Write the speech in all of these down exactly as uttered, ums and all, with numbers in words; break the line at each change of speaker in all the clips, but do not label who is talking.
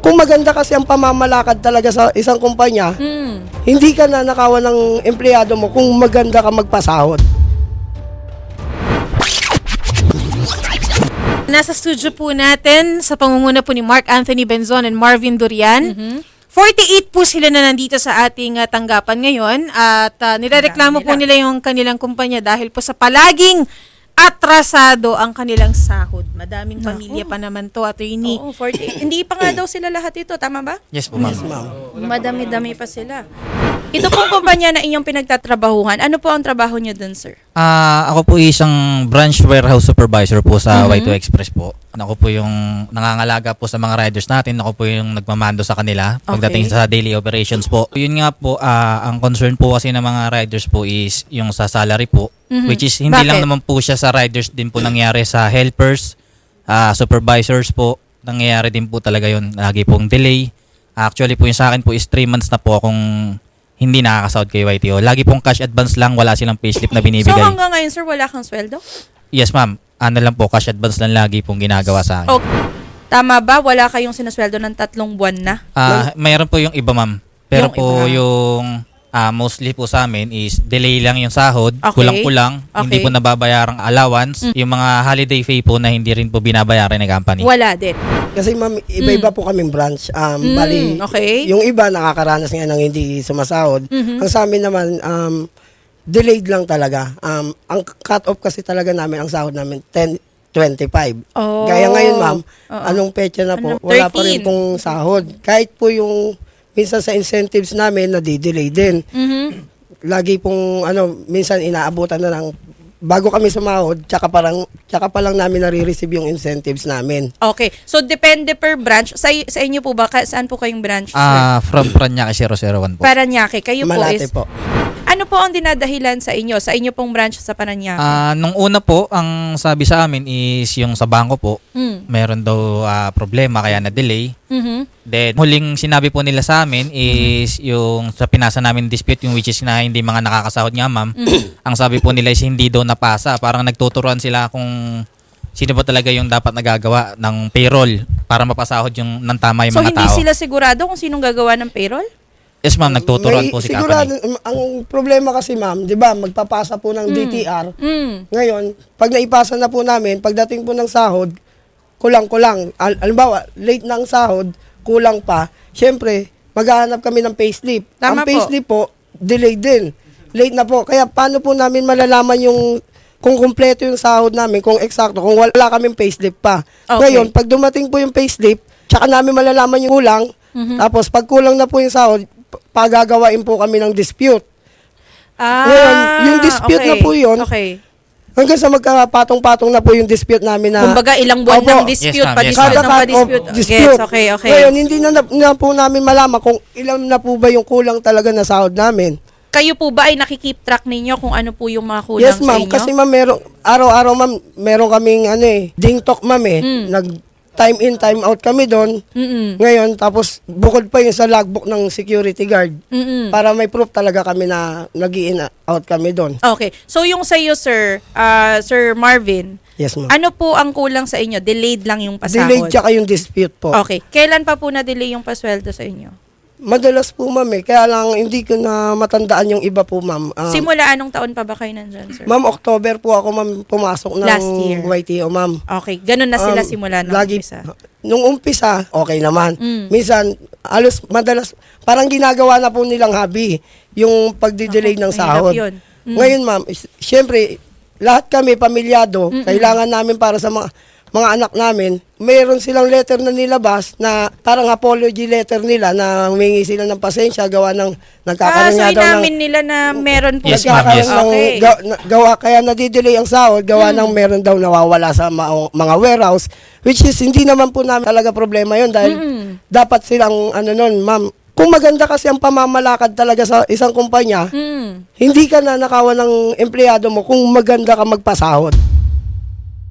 Kung maganda kasi ang pamamalakad talaga sa isang kumpanya,
Mm.
hindi ka nanakawan ng empleyado mo kung maganda ka magpasahod.
Nasa studio po natin sa pangunguna po ni Mark Anthony Benzon and Marvin Durian.
Mhm.
forty-eight po sila na nandito sa ating uh, tanggapan ngayon at uh, nirereklamo po nila yung kanilang kumpanya dahil po sa palaging atrasado ang kanilang sahod. Madaming pamilya pa naman to, attorney.
Oo, forty-eight. Hindi pa nga daw sila lahat ito, tama ba?
Yes po, ma'am.
Yes, ma'am.
Madami-dami pa sila. Ito pong kumpanya na inyong pinagtatrabahuhan, ano po ang trabaho nyo dun, sir?
Ah, ako po isang branch warehouse supervisor po sa
Mhm.
Y two Express po. Ako po yung nangangalaga po sa mga riders natin. Ako po yung nagmamando sa kanila pagdating
Okay.
sa daily operations po. Yun nga po, ah, ang concern po kasi ng mga riders po is yung sa salary po.
Mhm.
Which is hindi lang
Bakit?
naman po siya sa riders, din po nangyari sa helpers, ah, supervisors po. Nangyayari din po talaga yun. Lagi pong delay. Actually po yung sa akin po is three months na po akong hindi nakakasahod kay Y T O. Lagi pong cash advance lang, wala silang payslip na
So
binibigay.
hanggang ngayon, sir, wala kang sweldo?
Yes, ma'am. Ano lang po, cash advance lang lagi pong ginagawa sa akin.
Okay. Tama ba? Wala kayong sinasweldo ng tatlong buwan na?
Ah, mayroon po yung iba, ma'am. Pero
Yung
po
iba.
yung ah, mostly po sa amin is delay lang yung sahod,
Okay.
kulang-kulang, hindi
Okay.
po nababayarang allowance, yung mga holiday pay po na hindi rin po binabayaran ng company.
Wala din.
Kasi ma'am, iba-iba po kaming branch. Um,
Mm,
bali,
okay.
yung iba nakakaranas nga ng hindi sumasahod.
Mhm.
Ang sa amin naman, um, delayed lang talaga. Um, ang cut-off kasi talaga namin, ang sahod namin, ten twenty-five.
Oh.
Gaya ngayon, ma'am,
Oo.
anong petsa na po?
Ano?
Wala pa
thirteen.
rin pong sahod. Kahit po yung, minsan sa incentives namin, nadidelay din.
Mhm.
Lagi pong, ano, minsan inaabutan na ng, bago kami sumahod, tsaka, parang, tsaka pa lang namin nare-receive yung incentives namin.
Okay. So, depende per branch. Sa, sa inyo po ba? Ka- Saan po kayong branch, sir?
Ah, from Paranaque zero zero one po.
Paranaque. Kayo po
Malate
is...
po.
Ano po ang dinadahilan sa inyo? Sa inyo pong branch sa Paranaque?
Ah, nung una po, ang sabi sa amin is yung sa bangko po,
Mm.
meron daw ah, problema kaya na-delay.
Mhm.
Then, huling sinabi po nila sa amin is yung sa pinasa namin dispute, yung which is na hindi mga nakakasahod nga, ma'am. Ang sabi po nila is hindi daw napasa. Parang nagtuturuan sila kung sino ba talaga yung dapat nagagawa ng payroll para mapasahod yung ng tama yung
So,
mga
hindi
tao.
sila sigurado kung sinong gagawa ng payroll?
Yes, ma'am. Nagtuturuan
May-
po si
sigurado,
company.
ang problema kasi ma'am, di ba, magpapasa po ng D T R.
Mm.
Ngayon, pag naipasa na po namin, pagdating po ng sahod, kulang-kulang. Al- alimbawa, late ng sahod, kulang pa. Siyempre, maghahanap kami ng payslip.
Tama
Ang payslip po, delayed din. Late na po. Kaya paano po namin malalaman yung kung kumpleto yung sahod namin, kung eksakto, kung wala kaming payslip pa.
Okay.
Ngayon, pag dumating po yung payslip, tsaka namin malalaman yung kulang.
Mhm.
Tapos, pag kulang na po yung sahod, p- pagagawain po kami ng dispute.
Ah,
Ngayon, yung dispute
okay.
na po yun,
Okay.
Hanggang sa magkapatong-patong na po yung dispute namin na...
Kumbaga, ilang buwan
Opo.
ng dispute,
Yes, ma'am. Yes,
pa-dispute
Kada
ng
cut-off,
pa-dispute.
dispute.
Gets, okay, okay.
Ngayon, hindi na, na po namin malaman kung ilan na po ba yung kulang talaga na sahod namin.
Kayo po ba ay nakikip track ninyo kung ano po yung mga kulang
Yes,
sa
ma'am.
inyo?
Kasi ma'am, meron, araw-araw ma'am, meron kaming ano eh, ding talk ma'am eh.
Mm.
Nag time in, time out kami doon.
Mm-mm.
Ngayon, tapos bukod pa yung sa logbook ng security guard.
Mm-mm.
Para may proof talaga kami na nag-in out kami doon.
Okay. So, yung sa iyo, sir, ah, Sir Marvin,
Yes, ma'am.
ano po ang kulang sa inyo? Delayed lang yung pasahod?
Delayed tsaka yung dispute po.
Okay. Kailan pa po na-delay yung pasweldo sa inyo?
Madalas po ma'am eh. Kaya lang hindi ko na matandaan yung iba po ma'am. Ah,
Simula anong taon pa ba kayo nandyan, sir?
Ma'am, October po ako ma'am pumasok ng
Last year.
Y T O ma'am.
Okay. Ganun na sila
Um,
simula ng
lagi,
umpisa.
Nung umpisa, okay naman.
Mm.
Minsan, alos, madalas, parang ginagawa na po nilang hobby, yung pagdidelay
Ako,
ng
mahirap
sahod.
yun. Mm.
Ngayon ma'am, is- syempre, lahat kami pamilyado,
Mm-mm.
kailangan namin para sa mga mga anak namin, mayroon silang letter na nilabas na parang apology letter nila na humingi sila ng pasensya gawa ng
Ah,
nagkakaroon
so
nga daw ng
inamin nila na meron po.
Yes, ma'am,
nagkakaroon
yes.
ng
Okay.
ga- na- gawa, kaya nadidelay ang sahod, gawa
Hmm.
ng meron daw nawawala sa ma- mga warehouse, which is hindi naman po namin talaga problema yon dahil
Mm-mm.
dapat silang, ano nun, ma'am, kung maganda kasi ang pamamalakad talaga sa isang kumpanya,
Mm.
hindi ka nanakawan ng empleyado mo kung maganda ka magpasahod.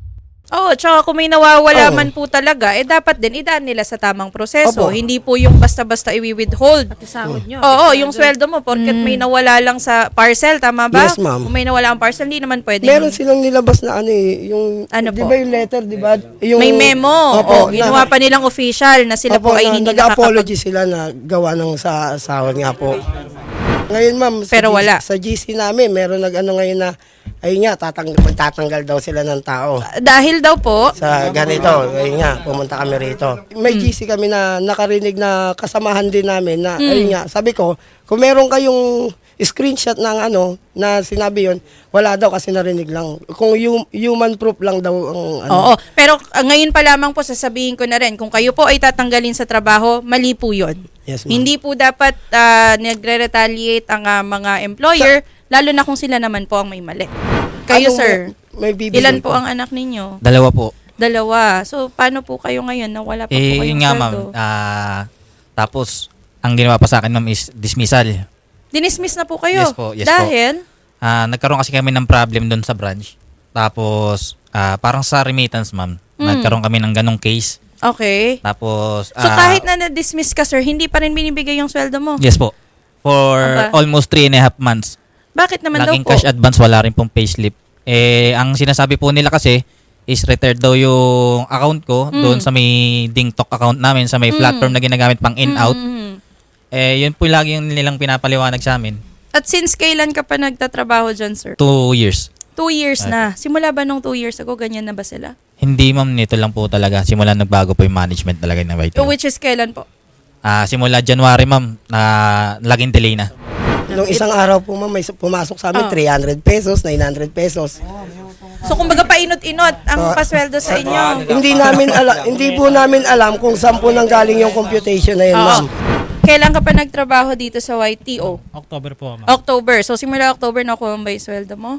Oo, tsaka kung may nawawala
Oo.
man po talaga, eh dapat din idaan nila sa tamang proseso.
Opo.
Hindi po yung basta-basta i-withhold.
Sahod nyo.
Oo, yung sweldo mo, porket may nawala lang sa parcel, tama ba?
Yes, ma'am.
Kung may nawala ang parcel, hindi naman pwede.
Meron silang nilabas na ano eh, yung,
Ano
di
po?
ba yung letter, di ba? Yung,
May memo.
Opo,
o, ginawa pa nilang official na sila po ay
na,
hindi
nag-apology sila na gawa ng sa sahod nga po. Ngayon ma'am, sa
Pero
G-
wala.
sa G C namin, meron nag-ano ngayon na, ayun nga, tatang, tatanggal daw sila ng tao.
Dahil daw po,
Sa ganito, ayun nga, pumunta kami rito. May G C kami na nakarinig na kasamahan din namin na, ayun nga, sabi ko, kung meron kayong screenshot ng ano, na sinabi yon, wala daw kasi narinig lang. Kung hum- human proof lang daw ang ano.
oo. Pero uh, ngayon pa lamang po sasabihin ko na rin, kung kayo po ay tatanggalin sa trabaho, mali po yun.
Yes, ma'am.
Hindi po dapat uh, nagre-retaliate ang uh, mga employer, lalo na kung sila naman po ang may mali. Kayo,
Anong
sir,
may, may bibigay
ilan po ang anak ninyo?
Dalawa po.
Dalawa. So, paano po kayo ngayon na wala pa po
Eh,
kayong
yun nga ma'am.
sweldo?
Ah, tapos, ang ginawa pa sa akin ma'am is dismissal.
Dinismiss na po kayo?
Yes po, yes po.
Dahil?
Ah, nagkaroon kasi kami ng problem doon sa branch. Tapos, ah, parang sa remittance ma'am,
Mm.
nagkaroon kami ng ganong case.
Okay.
Tapos,
So,
ah,
kahit na na-dismiss ka, sir, hindi pa rin binibigay yung sweldo mo?
yes po. For
Aba.
almost three and a half months.
Bakit naman
Naging
daw po?
cash advance, wala rin pong payslip. Eh, ang sinasabi po nila kasi is retired daw yung account ko
Mm.
doon sa may DingTalk account namin, sa may platform na ginagamit pang in-out.
Mhm.
Eh, yun po lagi yung nilang pinapaliwanag sa amin.
At since kailan ka pa nagtatrabaho dyan, sir?
Two years.
Two years na. Simula ba nung two years ago, ganyan na ba sila?
Hindi ma'am, nito lang po talaga. Simula nagbago po yung management talaga ng Y T O.
Which is kailan po?
Ah, simula January ma'am, na laging delay na.
Nung isang araw po ma'am, may pumasok sa amin
Oh.
three hundred pesos, nine hundred pesos.
So, kumbaga painot-inot ang
Ah.
pasweldo sa inyo.
Hindi namin alam, hindi po namin alam kung saan po nanggaling yung computation na yun,
Oo.
ma'am.
Kailan ka pa nagtrabaho dito sa Y T O?
October po, ma'am.
October. So, simula October na kuha ba yung sweldo mo?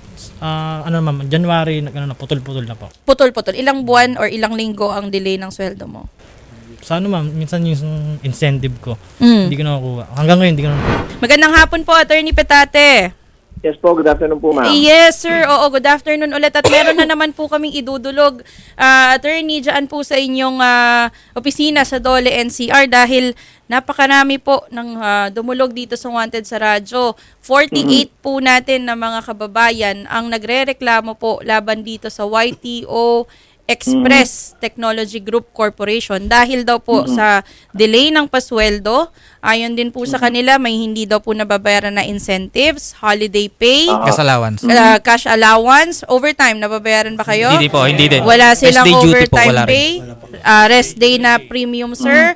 Ah, ano ma'am, January, nag- ano na, putol-putol na po.
Putol-putol. Ilang buwan or ilang linggo ang delay ng sweldo mo?
Sa ano ma'am, minsan yung incentive ko,
Mm.
hindi ko nakukuha. Hanggang ngayon, hindi ko na.
Magandang hapon po, Attorney Petate.
Yes po, good afternoon po, ma'am.
Yes, sir. Oo, good afternoon ulit. At meron na naman po kaming idudulog, ah, attorney, dyan po sa inyong ah, opisina sa Dole N C R dahil napakarami po ng ah, dumulog dito sa Wanted sa radyo. forty-eight po natin na mga kababayan ang nagrereklamo po laban dito sa Y T O Express Technology Group Corporation dahil daw po sa delay ng pasweldo. Ayon din po sa kanila, may hindi daw po nababayaran na incentives, holiday pay,
Cash allowance.
uh, cash allowance, overtime, nababayaran ba kayo?
Hindi po, hindi din.
Wala
Rest
silang
day duty po,
overtime
wala rin.
pay, uh, rest day na premium, sir.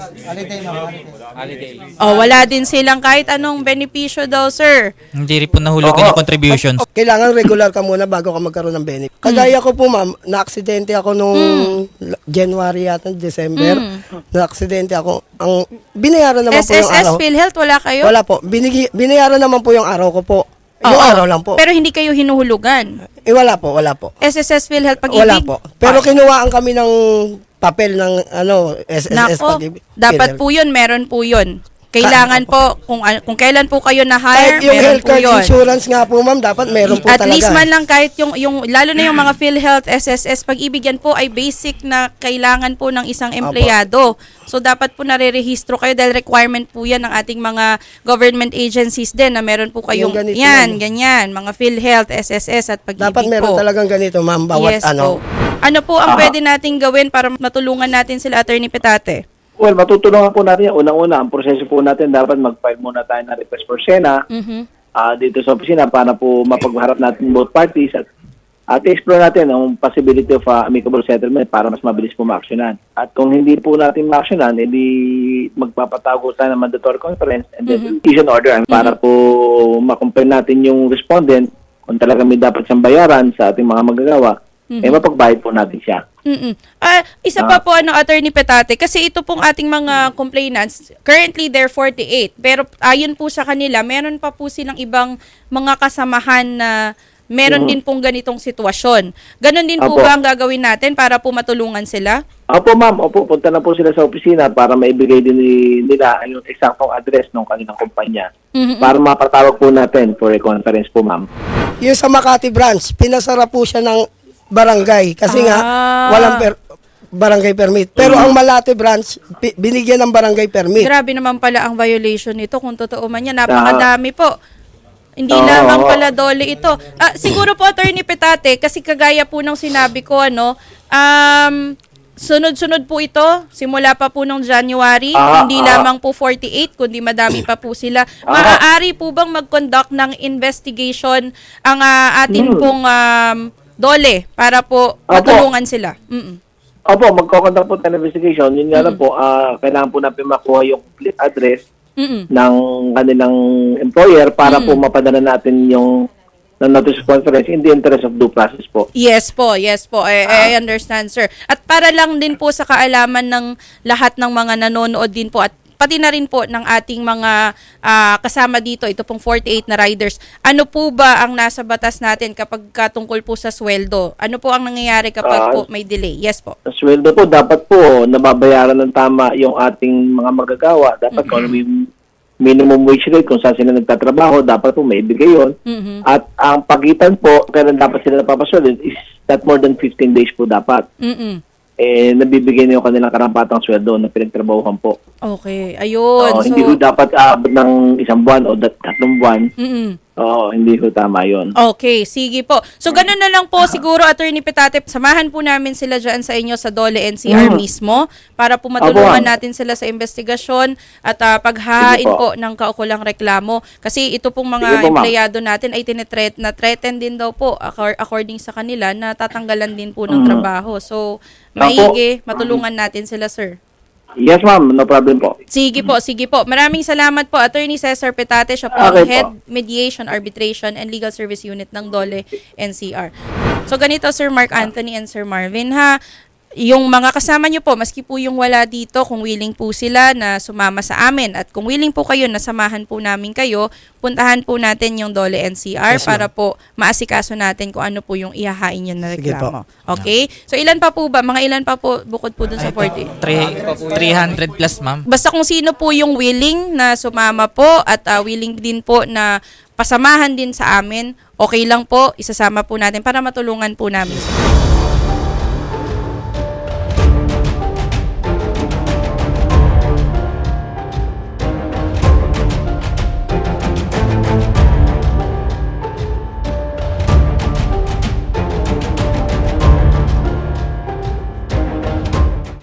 Oh, wala din silang kahit anong benepisyo daw, sir.
Hindi rin po nahulugan yung contributions.
Kailangan regular ka muna bago ka magkaroon ng benefit. Kagaya ko po ma'am, na-aksidente ako nung January yata, December. Na-aksidente ako. Ang binayaran naman po yung
S S S,
araw.
PhilHealth, wala kayo?
Wala po. Binigi, binayaran naman po yung araw ko po. Yung
Oo,
araw lang po.
Pero hindi kayo hinuhulugan.
Eh wala po, wala po.
S S S, PhilHealth, pag-ibig?
Wala po. Pero kinuhaan kami ng papel ng ano, S S S
Nako,
pag-ibig.
dapat po yun, meron po yun. Kailangan po, kung an- kung kailan po kayo na-hire,
Kahit yung
meron
health
po
card
yun.
insurance nga po ma'am, dapat meron po
At
talaga.
least man lang kahit yung, yung lalo na yung mga PhilHealth, S S S, pag-ibig yan po ay basic na kailangan po ng isang empleyado. So dapat po nare-rehistro kayo dahil requirement po yan ng ating mga government agencies din na meron po kayong
Yung ganito
yan,
lang.
ganyan, mga PhilHealth, S S S at pag-ibig
Dapat meron
po.
talagang ganito ma'am, bawat
yes
ano.
po. Ano po ang pwede nating gawin para matulungan natin sila, Attorney Petate?
Well, matutulungan po natin yan. Unang-una, ang proseso po natin, dapat mag-file muna tayo ng request for SENA
Mhm.
ah, dito sa opisina para po mapagharap natin both parties at at explore natin ang possibility of ah, amicable settlement para mas mabilis po ma-actionan. At kung hindi po natin ma-actionan, edi magpapatago tayo ng mandatory conference and then issue an order para po ma-compare natin yung respondent kung talaga may dapat siyang bayaran sa ating mga magagawa, eh mapagbayad po natin siya.
Mm-mm. Ah, isa pa po ano, Attorney Petate, kasi ito pong ating mga complainants, currently they're forty-eight, pero ayon po sa kanila, meron pa po silang ibang mga kasamahan na meron din pong ganitong sitwasyon. Ganon din po
Opo.
ba ang gagawin natin para po matulungan sila?
Opo ma'am, opo, punta na po sila sa opisina para maibigay din ni- nila yung eksaktong address ng kanilang kumpanya
Mhm.
para mapatawag po natin for a conference po ma'am.
Yung sa Makati branch, pinasara po siya ng barangay kasi nga
Ah.
walang per- barangay permit. Pero ang Malate branch pi- binigyan ng barangay permit.
Grabe naman pala ang violation nito kung totoo man yan. Napakadami po. Hindi
Oo.
lamang pala dole ito. Ah, siguro po, Attorney Petate, kasi kagaya po ng sinabi ko, ano, um, sunod-sunod po ito, simula pa po ng January,
Ah,
hindi
ah.
lamang po forty-eight, kundi madami pa po sila. Maaari po bang mag-conduct ng investigation ang ah, atin
Hmm.
pong um, dole para po
Opo.
matulungan sila? Mm-mm.
Opo, magkoconduct po tayo ng investigation. Yun nga lang po, ah, kailangan po natin makuha yung complete address
Mm-mm.
ng kanilang employer para po mapadala natin yung ng notice of conference in the interest of due process po.
Yes po, yes po. I, I understand, sir. At para lang din po sa kaalaman ng lahat ng mga nanonood din po at pati na rin po ng ating mga ah, kasama dito, ito pong forty-eight na riders. Ano po ba ang nasa batas natin kapag katungkol po sa sweldo? Ano po ang nangyayari kapag
Ah,
po may delay? Yes po.
Ang sweldo po, dapat po nababayaran ng tama yung ating mga magagawa. Dapat kung ano yung minimum wage rate, kung saan sila nagtatrabaho, dapat po maibigay yun.
Mhm.
At ang pagitan po, kailan dapat sila napapasweldo is not more than fifteen days po dapat.
Mm-mm.
Eh, nabibigay niyo kanilang karampatang sweldo na pinagtrabahuhan po.
Okay, ayun.
Oo,
so,
hindi ko dapat aabot ng isang buwan o dat- tatlong buwan.
mm-mm.
Oo, hindi ko tama yun.
Okay, sige po. So, ganun na lang po siguro, Attorney Petate, samahan po namin sila dyan sa inyo sa Dole N C R
Mm.
mismo para po matulungan
Apo.
natin sila sa investigasyon at ah, paghahain
Sige
po.
po.
ng kaukulang reklamo. Kasi ito pong
Sige
mga
po, ma'am.
empleyado natin ay tinetret, na threaten din daw po accor- according sa kanila na tatanggalan din po ng
Mm.
trabaho. So,
Apo.
maigi, matulungan natin sila, sir.
Yes, ma'am. No problem po.
Sige po, sige po. Maraming salamat po, Attorney Cesar Petate. Siya po ang
Okay po.
Head Mediation, Arbitration, and Legal Service Unit ng Dole N C R. So ganito, Sir Mark Anthony and Sir Marvin, ha? Yung mga kasama nyo po, maski po yung wala dito, kung willing po sila na sumama sa amin at kung willing po kayo na samahan po namin kayo, puntahan po natin yung Dole N C R
Yes,
para po maasikaso natin kung ano po yung ihahain nyo na
Sige
reklamo. Okay? So ilan pa po ba? Mga ilan pa po bukod po dun sa forty?
three hundred plus, ma'am.
Basta kung sino po yung willing na sumama po at ah, willing din po na pasamahan din sa amin, okay lang po, isasama po natin para matulungan po namin.